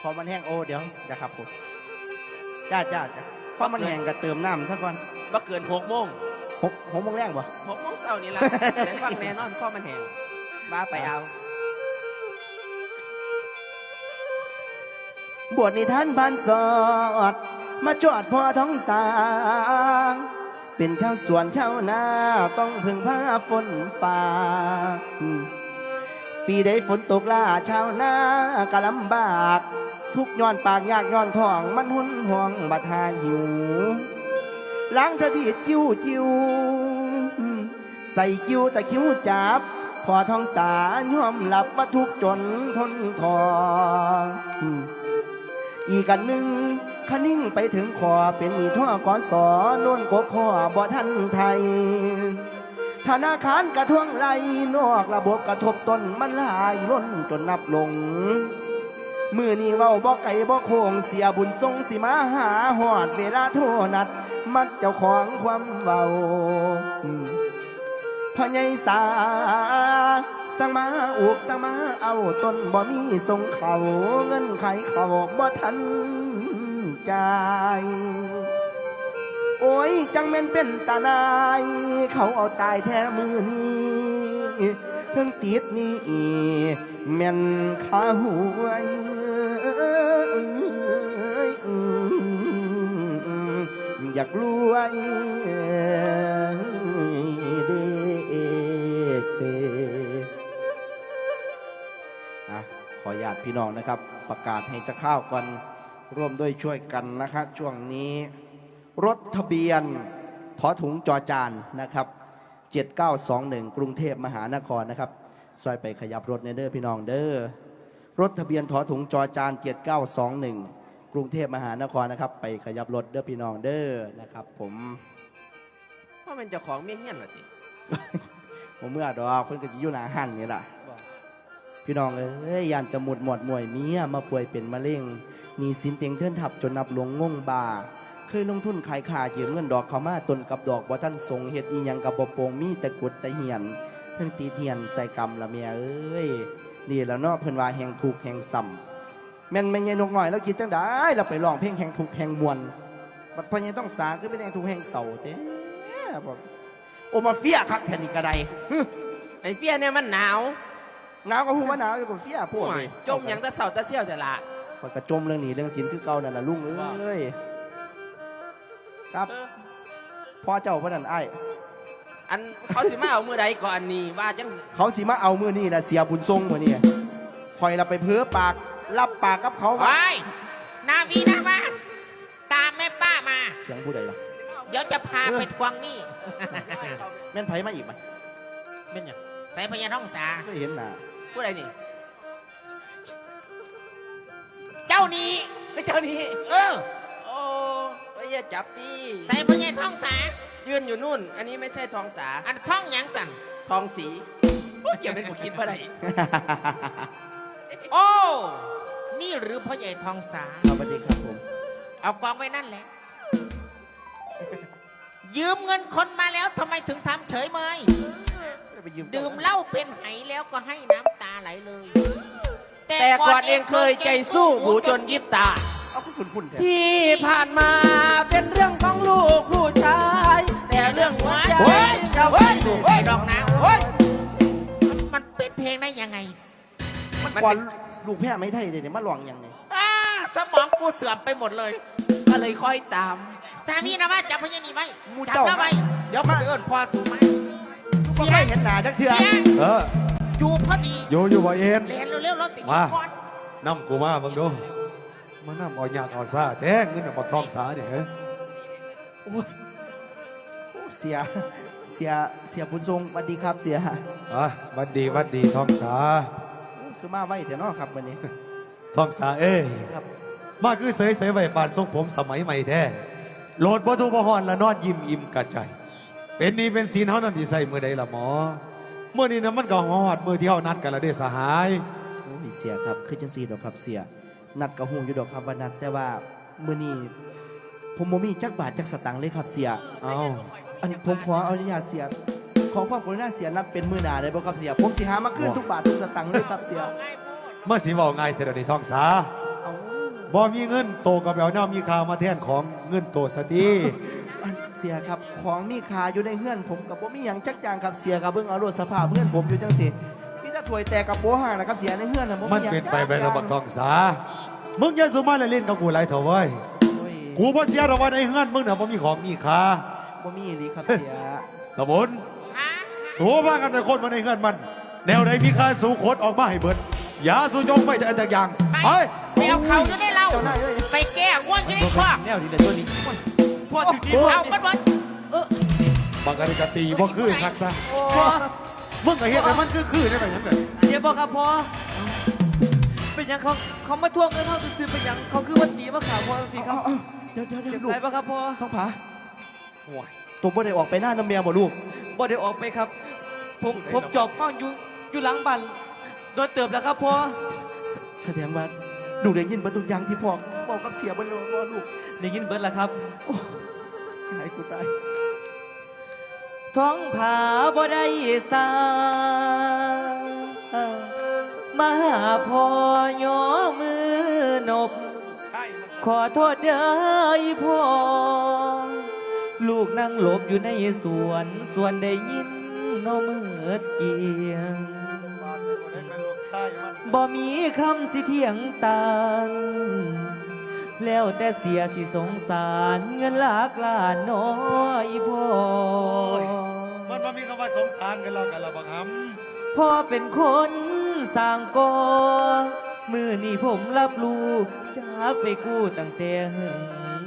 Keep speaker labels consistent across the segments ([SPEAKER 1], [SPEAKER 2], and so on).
[SPEAKER 1] พอมันแห้งโอ้เดี๋ยวจะขับผมจ้าพอมันแห้งก็เติมน้ำซะก่อน
[SPEAKER 2] บ่เกิน6 โมง
[SPEAKER 1] 6 โมงแรงบ่
[SPEAKER 2] 6 โมงเช้านี่ล่ะได้ฟังแน่นอนข้อมันแห้งบ้าไปเอา
[SPEAKER 1] บวชนิทานบ้านสอดมาจอดพ่อท้องสางเป็นชาวสวนชาวนาต้องพึ่งพาฝนฟ้าปีใดฝนตกล่าชาวนาก็ลำบากทุกย้อนปากยากย้อนท้องมันหุนห่วงบัดหาหิวล้างทบีดคิ้วใส่คิ้วแต่คิ้วจับพอท้องสายอมหลับว่าทุกจนทนทออีกอันหนึ่งขนิ่งไปถึงคอเป็นมีท่อกอสอน่นกคอบ่ทันไทยธนาคารกระท่วงไหลนอกระบบกระทบต้นมันลายล้นจนนับลงมือนี้เว้าบ่ไก่บ่โค้งเสียบุญทรงสิมาหาหอดเวลาโทนัดมักเจ้าของความเว้าพ่อใหญ่สาสั่งมาอุกสั่งมาเอาต้นบ่มีส่งเขาเงินไขเขาบ่ทันจ่ายโอ้ยจังแม่นเป็นตาลายเขาเอาตายแท้มือนี้เพิ่งติดนี่แม่นขาหวยอยากรวยขอญาติพี่น้องนะครับประกาศให้จะเข้ากันร่วมด้วยช่วยกันนะครับช่วงนี้รถทะเบียนถอถุงจอจานนะครับ7921กรุงเทพมหานครนะครับซอยไปขยับรถในเด้อพี่น้องเด้อรถทะเบียนถอถุงจอจาน7921กรุงเทพมหานครนะครับไปขยับรถเด้อพี่น้องเด้อนะครับผม
[SPEAKER 2] ว่ามันเจ้าของเมียเฮี้ยนเหรอจิ
[SPEAKER 1] ผมเมื่อดอกเพิ่นก็จะอยู่หน้าหันนี่ล่ะพี่น้องเอ้ยยานจะหมดมวยเมียมาป่วยเป็นมะเร็งมีสินเต็งเทินทับจนนับหลวงงงบาเคยลงทุนขายขายืมเงินดอกเขามาต้นกับดอกบ่ท่านทรงเฮ็ดอีหยังกับบ่โปงมีแต่กุดแต่เหียนทั้งตีเหียนใส่กรรมละเมียเอ้ยนี่แล้วเนาะเพิ่นว่าแห่งถูกแห่งซ้ำแม่นแม่ใหญ่นกน้อยแล้วคิดจังได๋เราไปร้องเพลงแห่งถูกแห่งมวลบัดพ่อใหญ่ต้องสาคือเป็นแห่งถูกแห่งเศร้าเด้บ่โอมาเฟียคักแท้นี่ก็ได้
[SPEAKER 2] ไอ้เฟี้ยเนี่ยมันหนาว
[SPEAKER 1] ก็ฮู้ว่าหนาวอยู่กับเฟียพวกนี่
[SPEAKER 2] จมหยังตะเสาตะเสี่ยวจะละ
[SPEAKER 1] มันก็จมเรื่องนี้เรื่องศีลคือเก่านั่นล่ะลุงเอ้ยครับพ่อเจ้าเพิ่นนั่นอ้าย
[SPEAKER 2] อันเขาสิมาเอามือใดก่อนนี่ว่าจัง
[SPEAKER 1] เขาสิมาเอามือนี่นะเสียบุญทรงมือนี่คอยเราไปเพ้อปากรับปากกับเขา
[SPEAKER 3] ไอ้นาวีนะบ้านตามแม่ป้ามา
[SPEAKER 1] เสียงผู้ใดล่ะ
[SPEAKER 3] เดี๋ยวจะพาไปทวงหนี้
[SPEAKER 1] แม่นไผมาอีกมั้ย
[SPEAKER 2] แม่นหยัง
[SPEAKER 3] ใส่พญาท้องสา
[SPEAKER 1] ก็เห็นน่ะ
[SPEAKER 2] ผู้ใดนี่
[SPEAKER 3] เจ้านี้
[SPEAKER 2] ไม่เจ้านี้โอ้ยอย่าจับตี
[SPEAKER 3] ใส่พญาท้องสา
[SPEAKER 2] ยืนอยู่นู่นอันนี้ไม่ใช่ทองสา
[SPEAKER 3] อันท้องหยังสั่น
[SPEAKER 2] ทองสีเกี่ยวเป็นผู้คิดว่าไร
[SPEAKER 3] โอ้นี่หรือพ่อใหญ่ทองสา
[SPEAKER 1] สวัสดีครับผม
[SPEAKER 3] เอากองไว้นั่นแหละยืมเงินคนมาแล้วทำไมถึงทำเฉยเมยดื่มเหล้าเป็นไหแล้วก็ให้น้ำตาไหลเลย
[SPEAKER 2] แต่ก่อนเองเคยใจสู้หูจนยิบตาที่ผ่านมาเป็นเรื่องของลูกผู้ชายแต่เรื่องหัวใจ
[SPEAKER 3] เราไม่ถูกไอ้ดอกนะโอ้ยมันเป็นเพลงได้ยังไง
[SPEAKER 1] มันก่อนลูกแพ้ไม่ไทยเลยเนี่ยมาหลวงยังไง
[SPEAKER 3] สมองกูเสื่อมไปหมดเลย
[SPEAKER 2] ก็เลยค่อยตาม
[SPEAKER 3] นี่นะว่าจับพญานีไว้จับแล้วไว้เดี๋ยวมาเอิญพอสูงไหม
[SPEAKER 1] ก็ไม่เห็นหนาจักเถื่อ
[SPEAKER 3] จูพอดี
[SPEAKER 4] อยู่บ่เอ็น
[SPEAKER 3] เรียนเร็วๆรถสิ
[SPEAKER 4] มาน้ำกูมาเบิ่งดูมาน้ำเอาหยาดเอาซาแท้เงินเอาทองสาเนี่ย
[SPEAKER 1] โอ้ยเสียบุญทรงสวัสดีครับเสีย
[SPEAKER 4] วัดดีทองสา
[SPEAKER 1] คือมาไว้เถอะเนาะครับวันนี้
[SPEAKER 4] ทองสาครับมาคือเสยไว้ปานทรงผมสมัยใหม่แท้โหลดบ่ทุบ่ฮอนละนอนยิ้มอิ่มกระใจเป็นนี่เป็นศีลเฮานั่นที่ใส่มื้อใดล่ะหมอเมื่อนี้นะมันก็ฮอดมื้อที่เฮานัดกันละเด้สหาย
[SPEAKER 1] โอ้ยเสียครับคือจังซี่ดอกครับเสียนัดก็ฮู้อยู่ดอกครับว่านัดแต่ว่ามื้อนี้ผมบ่มีจักบาทจักสตางค์เลยครับเสียอันผมขออนุญาตเสียขอความกรุณาเสียนัดเป็นมื้อหน้าได้บ่ครับเสียผมสิหามาคืนทุกบาททุกสตางค์เลยครับเสีย
[SPEAKER 4] เมื่อสิเว้าง่ายเท่านี้ทองสาบ่มีเงินโตกับเอาน้ามีค่ามาแทนของเงินโตสติ
[SPEAKER 1] อันเสียครับของมีค่าอยู่ในเฮือนผมกับบ่มีหยังจักอย่างครับเสียกับเบิ่งเอารถสภาพเฮือนผมอยู่จังสิพี่จะถวยแตกกับโป๊ห่างนะครับเสียในเฮือนน่ะบ่
[SPEAKER 4] มัน
[SPEAKER 1] มีหยัง
[SPEAKER 4] เป็นไป
[SPEAKER 1] จัก
[SPEAKER 4] ไป
[SPEAKER 1] อ
[SPEAKER 4] ระ
[SPEAKER 1] ย่าง
[SPEAKER 4] บักทองสามึงอย่าสุมาเล่นกับกูหลายเถอะเว้ย
[SPEAKER 1] โอ้ย
[SPEAKER 4] กูบ่เสียดอกว่าในเฮือนมึงน่ะบ่มีของมีค่า
[SPEAKER 1] บ่มีอีหลีครับเสีย
[SPEAKER 4] สมุน
[SPEAKER 3] ฮะ
[SPEAKER 4] สู้ว่ากันไปคนมาในเฮือนมัน แนวใดมีค่าสู้โคตรออกมาให้เบิดอย่าสู้จงไปจากอย่าง
[SPEAKER 3] ไป
[SPEAKER 4] ไป
[SPEAKER 3] ไปเอาเขาอยู่ในเรา
[SPEAKER 1] เจ้านายเอ้ย
[SPEAKER 3] ไปแก้ง่วงอยู่ในคอก
[SPEAKER 2] แนวดีเลยตัวนี้พ่อจุดนี้
[SPEAKER 3] เอากันหมด
[SPEAKER 4] บางการกตีบ่คือคักซะ
[SPEAKER 2] พ่อ
[SPEAKER 4] มึงก็เฮ็ดให้มันคือได้ไปหยังไง
[SPEAKER 2] เดี๋ยวบอกครับพ่อเป็นหยังเขามาทวงเงินเขาซื้อเป็นหยังเขาคือวันดีมาข่าวพ่อสิครับ
[SPEAKER 1] เอาเดี๋ยว
[SPEAKER 2] เจ็บ
[SPEAKER 1] ลูก
[SPEAKER 2] ไหนบ้างครับพ่อ
[SPEAKER 1] ท้องผา
[SPEAKER 4] ห่วย
[SPEAKER 1] ตัวบ่ได้ออกไปหน้าน้ำเมียบ่ลูก
[SPEAKER 2] บ่ได้ออกไปครับ ผมจอบฟังอยู่หลังบ้านโดนเติบแล้วครับพ่อ
[SPEAKER 1] แสดงว่าลูกได้ยินเบ่ทุกอย่างที่พ่อบอกกับเสียบ่เลยว่าลูก
[SPEAKER 2] ได้ยินเบิร์ดแล้วครับ
[SPEAKER 1] หายกูตาย
[SPEAKER 2] ท้องผาบ่ได้สามาหาพ่อย่อมือนบ
[SPEAKER 4] ใช่มัน
[SPEAKER 2] ขอโทษเด้ออีพ่อลูกนั่งหลบอยู่ในสวนได้ยินน้อมืดเกียง
[SPEAKER 4] บ้านมันบ่ได้เป็นลูกชายมัน
[SPEAKER 2] บ่มีคำสิเถียงต่าง แล้วแต่เสียสิสงสารเงินหลากล้านน้อยพ่อ
[SPEAKER 4] มันบ่มีคำว่าสงสารกันแล้วกันละบังหำ
[SPEAKER 2] พ่อเป็นคนสร้างก่อมือนี่ผมรับรู้จากไปกู้ตั้งแต่หึง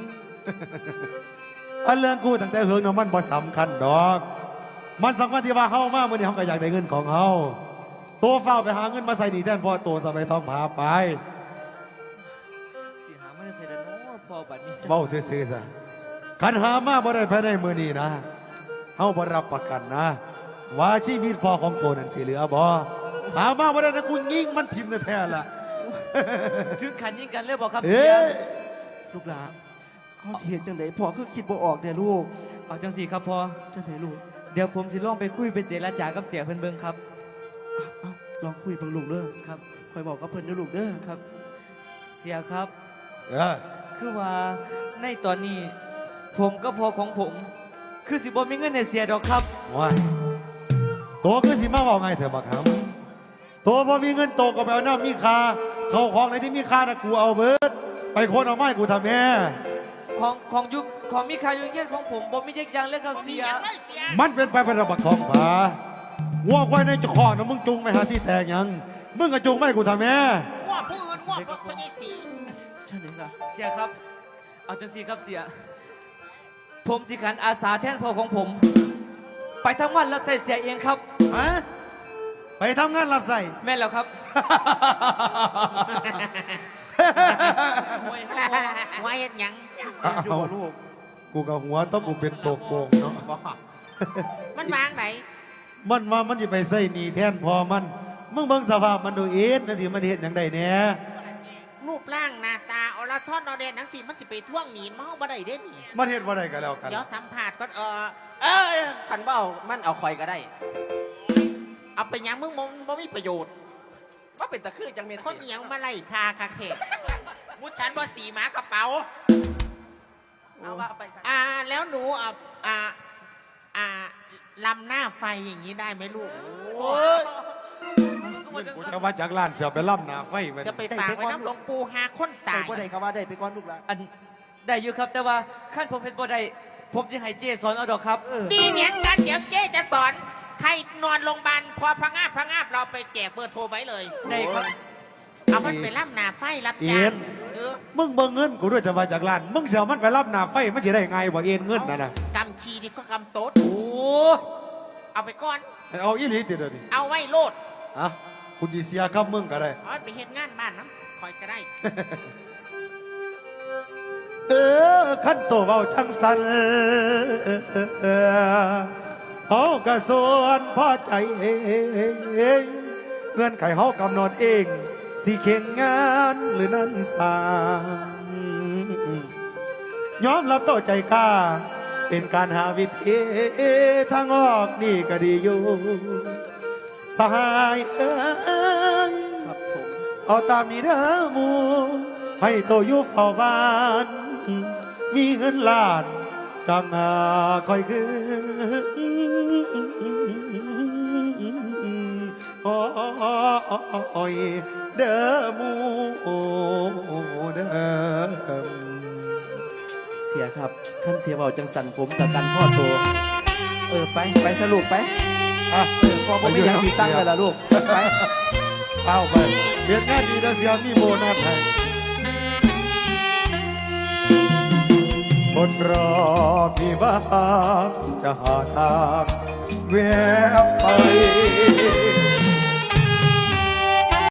[SPEAKER 4] อันเรื่องกูตั้งแต่เฮิงเนาะมันบ่สำคัญดอก มันสำคัญที่ว่าเฮามามื้อนี้เฮาก็อยากได้เงินของเฮาตัวเฝ้าไปหาเงินมาใส่หนี้แทนพ่อตัวสบายทองพาไป
[SPEAKER 2] สิหาไม่ได้ใส่แล้วเนาะพ่อบัดนี้
[SPEAKER 4] เว้าซื่อๆซะคันหามาบ่ได้ภายในมื้อนี้นะเฮาบ่รับประกันนะ ว่าชีวิตพ่อของตัวนั้นสิเหลือบ่หามาบ่ได้นะกูยิงมันทิ่มแท้ๆล่ะ
[SPEAKER 2] ถึงขันยิงกันเลยบอกครับ
[SPEAKER 4] เอ๊ะ
[SPEAKER 1] ลูกหลานเขาสิเห็นจังไดพ่อคือคิดบ่ออกแต่ลูก
[SPEAKER 2] เอาจังสีครับพ่อ
[SPEAKER 1] จังไดลูก
[SPEAKER 2] เดี๋ยวผมสิลองไปคุยไปเจรจากับเสียเพิ่นเบิ่งครับ
[SPEAKER 1] เอาลองคุยเบิ่งลูกเด้อ
[SPEAKER 2] ครับ
[SPEAKER 1] คอยบอกกับเพิ่นเด้อลูกเด้อ
[SPEAKER 2] ครับ เสียครับ
[SPEAKER 4] เออ
[SPEAKER 2] คือว่าในตอนนี้ ผมก็พอของผม คือสิบ่มีเงินให้เสียดอกครับ
[SPEAKER 4] ว้ายตัวคือสิมาเว้าไงเถอะบักหำตัวบ่มีเงินโตก็ไปเอาน้ำมีค่าเข้าของในที่มีค่าน่ะกูเอาเบิดไปคนเอาไม้กูทำแม่
[SPEAKER 2] ของยุคของมีค่าอยู่เงี้ยของผมบ่มีเยกอยางเลยครับ
[SPEAKER 3] บ่มี
[SPEAKER 2] เสีย
[SPEAKER 3] อย่างไรเสีย
[SPEAKER 4] มันเป็นไปเป็นระบักทองผาวัวควายในเจ้าของนะมึงจุงไปหาที่แตกหยัง มึงก็จุงไม่กูทำแม่
[SPEAKER 3] ง่วงผู้อื่นง่วงพระเยสี
[SPEAKER 1] จังไดล่ะ
[SPEAKER 2] เสียครับ เอาจังสีครับเสีย ผมสิขันอาสาแทนพ่อของผม ไปทั้งวันรับใช้เสียเองครับ
[SPEAKER 4] ฮะ ไปทำงานรับใส่
[SPEAKER 2] แม่นแล้วครับ โอ้ยฮะ
[SPEAKER 3] ไว้เฮ็ดหยัง
[SPEAKER 1] อยู่บ่ลูก
[SPEAKER 4] กูกับหัวต้องกูเป็นตัวโกงเนาะ
[SPEAKER 3] บอกมันวางไหน
[SPEAKER 4] มันว่ามันจะไปใส่หนีแทนพอมัน มึงเบิ่งสภาพมันดูเอ็ดนะสิมันเห็นอย่างใดเนี่ย
[SPEAKER 3] รูปร่างหน้าตาอรชรอเดนนังสิมันจะไปท่วงหนีนเมาบ่ได้เด้นี่
[SPEAKER 4] มันเห็นว่าใดกันแล้วกัน
[SPEAKER 3] เดี๋ยวสัมผัสก่อน
[SPEAKER 2] ขันเบ้ามันเอาคอยก็ได้
[SPEAKER 3] เอาไปหยังมึงบ่มีประโยชน์
[SPEAKER 2] ว่าเป็นตะคือจังเมียน
[SPEAKER 3] คนเหนียวมาไล่คาคาเขกมุดฉันบ่สีหมากระเป๋า
[SPEAKER 2] เอาว่าไปครับ
[SPEAKER 3] แล้วหนูลำหน้าไฟอย่างนี้ได้ไหมลูก
[SPEAKER 4] กูจะว่าจากร้านเสียไปล่ำหนาไฟมัน
[SPEAKER 3] จะไปฝากไว้น้ำหลวงปู่หาคน
[SPEAKER 1] ได้
[SPEAKER 3] ตาย
[SPEAKER 1] บ่ได้ก็ว่าได้ไปก่อนลูกหลาน
[SPEAKER 2] อันได้อยู่ครับแต่ว่าขั้นผมเป็นบ่ได้ผมจะให้เจสอนเอาดอกครับ
[SPEAKER 3] ดีเหมือนกันเดี๋ยวเจ๊จะสอน ใครนอนโรงพยาบาลพอพะงาบเราไปแจกเบอร์โทรไว้เลย
[SPEAKER 2] ได้ครับ
[SPEAKER 3] เอามันไปล่ำหนาไฟรับ
[SPEAKER 4] เอ็
[SPEAKER 3] จ้าง
[SPEAKER 4] น
[SPEAKER 3] เออ
[SPEAKER 4] มึงเบิ่งเงินกูด้วยจะว่าจากร้าน มึงเสียมันไปล่ำหนาไฟมันจะได้ไงบ่เอ็นเงินนะนะ
[SPEAKER 3] กำชีดีก็กำโต๊ด
[SPEAKER 4] โอ้
[SPEAKER 3] เอาไปก่อน
[SPEAKER 4] เอาอีหลีติดเดี๋ยวนี้
[SPEAKER 3] เอาไว้โลด
[SPEAKER 4] อ่ะกูจีเสียครับมึงก็ได้
[SPEAKER 3] เอาไปเฮ็ดงานบ้านน้ำคอยก็ได้
[SPEAKER 4] ขั้นโตเบาทั้งสันเฮากระส่วนพอใจเองเงื่อนไขเฮากำหนดเอง สิเข่งงานหรือนั้นสางยอมรับต่อใจกล้า เป็นการหาวิธีทางออกนี่ก็ดีอยู่ สหายเอ้ย
[SPEAKER 1] ครับผม
[SPEAKER 4] เอาตามนี้เด้อหมูให้โตอยู่เฝ้าบ้าน มีเงินล้านจังหาคอยคืนโอ้ยเด้อหมูเด้อ
[SPEAKER 1] เสียครับขั้นเสียเบาจังสันผมกับกันพ่อโตไปสรุปไป
[SPEAKER 4] อ่ะ
[SPEAKER 1] พอผมไม่ยังที่ตั้งเลยล่ะลูกไป
[SPEAKER 4] เอาไปเรียนงานดีแล้วเสียมีโบนัสให้คนรอพี่บ้างจะหาทางแวะไป